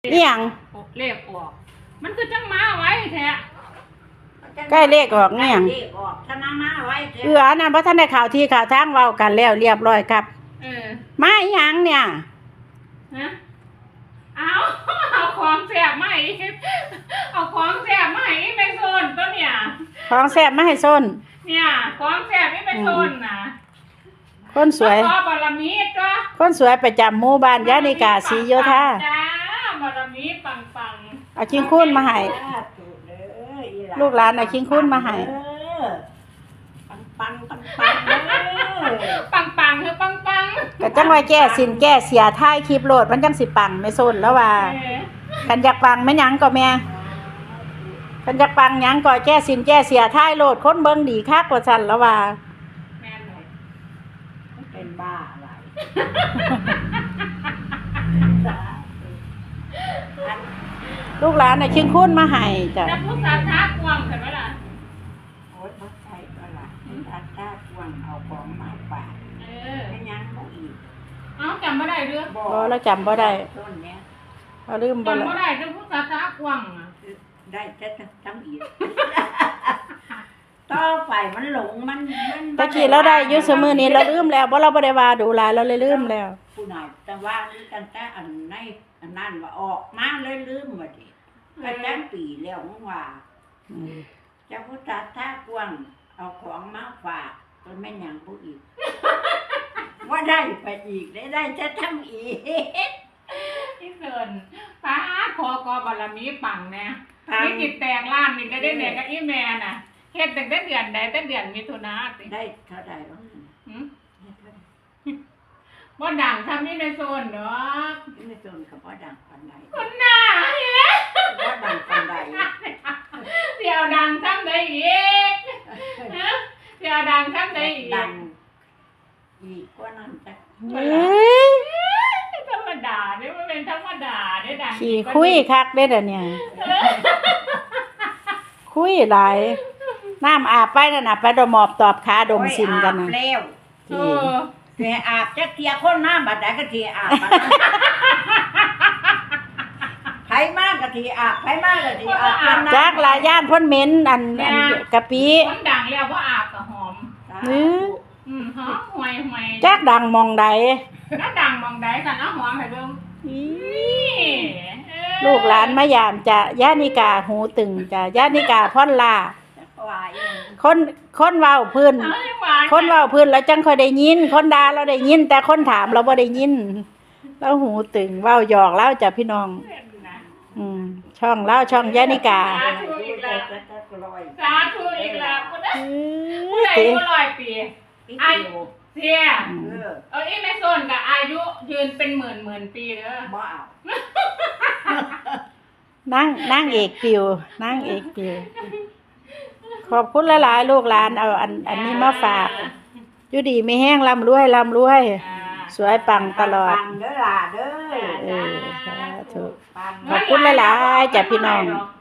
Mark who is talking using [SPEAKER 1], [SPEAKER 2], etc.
[SPEAKER 1] นี่ยัง
[SPEAKER 2] เลขออกมันคือจังมาไว้แท้
[SPEAKER 1] ใกล้เลขออกนี่ยัง
[SPEAKER 3] ชนะมาไว้
[SPEAKER 1] นั่นเพราะท่านได้ข่าวที่ข่าวทางเว้ากันแล้วเรียบร้อยครับมาอีหยังเนี่ย
[SPEAKER 2] ฮะเอาของแสบมาอีกเอาของแสบมาอีกไปโซนตัวเนี่ย
[SPEAKER 1] ของแซ่บมาให้ส้น
[SPEAKER 2] เนี่ยของแสบนี่ไปโซนนะ
[SPEAKER 1] คนสวย
[SPEAKER 2] บารมีจ้ะ
[SPEAKER 1] คนสวยประจำหมู่บ้านยานิกาศรีโยธา
[SPEAKER 2] จ้าบารมีปัง
[SPEAKER 1] เอาคิงคุ้นมาให้ลูกหลานเอาคิงคุ้นมาให้
[SPEAKER 3] ปัง
[SPEAKER 2] คือปัง
[SPEAKER 1] ก็จังว่าแก้สินแก้เสียท้ายคลิปโหลดมันจังสิปังไม่ส้นแล้วว่าคันอยากปังแม่หยังก็แม่คันอยากปังหยังก็แก้สินแก้เสียท้ายโหลดคนเบิ่งดีคักกว่าซั่นแล้วว่า
[SPEAKER 2] แม่นเลย
[SPEAKER 3] เป็นบ้าอะไร
[SPEAKER 1] ลูกหลานน่ะคิงคุ้นมาให้จ้ะ
[SPEAKER 2] จะพูดสาธากวางกันไหมล่ะ
[SPEAKER 3] โอ๊ยบ่ใช่ก็ล่ะถ้าถ้ากวางเอาของมาฝากไม่ยังบ่อีก
[SPEAKER 2] จำไม่ได้เรื่อง
[SPEAKER 1] บ่แล้วจำบ่ได้
[SPEAKER 3] ต้นเนี้ย
[SPEAKER 1] เอาลืมบ่ละ
[SPEAKER 2] จำไม่ได้จะพูดสาธากวาง
[SPEAKER 3] ได้จะจำอีกต่อไปมันหลงมัน
[SPEAKER 1] ตะกี้เราได้อยู่ซุมื้อนี้เราลืมแล้วบ่เราบ่ได้ว่าดูหลายเราเลยลืมแล้ว
[SPEAKER 3] ผู้น้อยแต่ว่านี่กันแต่อันในอันนั้นว่าออกมาเลยลืมว่าดิก็จังปีแล้วมึงว่าจะพุทธะท่ากวางเอาของมาฝากก็แม่นหยังผู้อีกว่าได้ไปอีกได้จะทำอีก
[SPEAKER 2] ที่เกินป้าคอกอบารมีปังเนี่ยนี่จิตแตกล้านนี่ได้เนี่ยกับอีแม่น่ะเฮ็ดตั้งแต่เดือนใดแต่เดือนมิถุนา
[SPEAKER 3] ได้เท่าใดบ้าง
[SPEAKER 2] บ่ดังทำนี่ในโซนเนาะ
[SPEAKER 3] ในโซนกับบ่ดังปานใด
[SPEAKER 2] คนหน้าเฮ้ย
[SPEAKER 3] บ่ดังปานใด
[SPEAKER 2] เสียวดังทำได้อีกเสียวดังทำได้อีก
[SPEAKER 3] ดังอีกกว่านั้นจ้ะ
[SPEAKER 2] ธรรมดาเนี่ยมันเป็นธรรมดาเนี่ยดัง
[SPEAKER 1] ขี่คุยคักเด้อเนี่ยคุยหลายน้ำอาบไปนั่นน่ะไปดมอบตอบขาดมสินกัน
[SPEAKER 3] น่ะแล้วแม่อาบจักเที่ยคนน้ำบัดใดก็ที่อาบไผมากก็ที่อาบไผมากก็ที่อาบ
[SPEAKER 1] จักหลายย่านพ่นเหม็นอันกะปิ
[SPEAKER 2] คนดังแล้วบ่อาบก็หอมหอมห่วย
[SPEAKER 1] จักดังมองใด
[SPEAKER 2] จักดังมองใดกันเอาหอมให้เบิ่ง
[SPEAKER 1] ลูกหลานมายามจะย่านิกาหูตึงจะย่านิกาพ่อนลาคนเว้าพื้นคนเว้าพื้นแล้วจังค่อยได้ยินคนด่าเราได้ยินแต่คนถามเราบ่ได้ยินเราหูตึงเว้าหยอกเล่าจ้ะพี่น้องช่องเล่าช่องย่านิกา
[SPEAKER 2] สาธุอีกแล้วผู้ใดผู้100 ปีอายุเสียอีแม่โซนกับอายุยืนเป็นหมื่นปีเด้อ
[SPEAKER 3] บ่เอา
[SPEAKER 1] นั่งเอกปิวนางเอกปิวขอบคุณหลายๆลูกหลานเอาอันนี้มาฝากอยู่ดีไม่แห้งร่ำรวยสวยปังตลอด
[SPEAKER 3] ปังเด้อล่ะเด้อ
[SPEAKER 1] สาธุขอบคุณหลายๆจ้ะพี่น้อง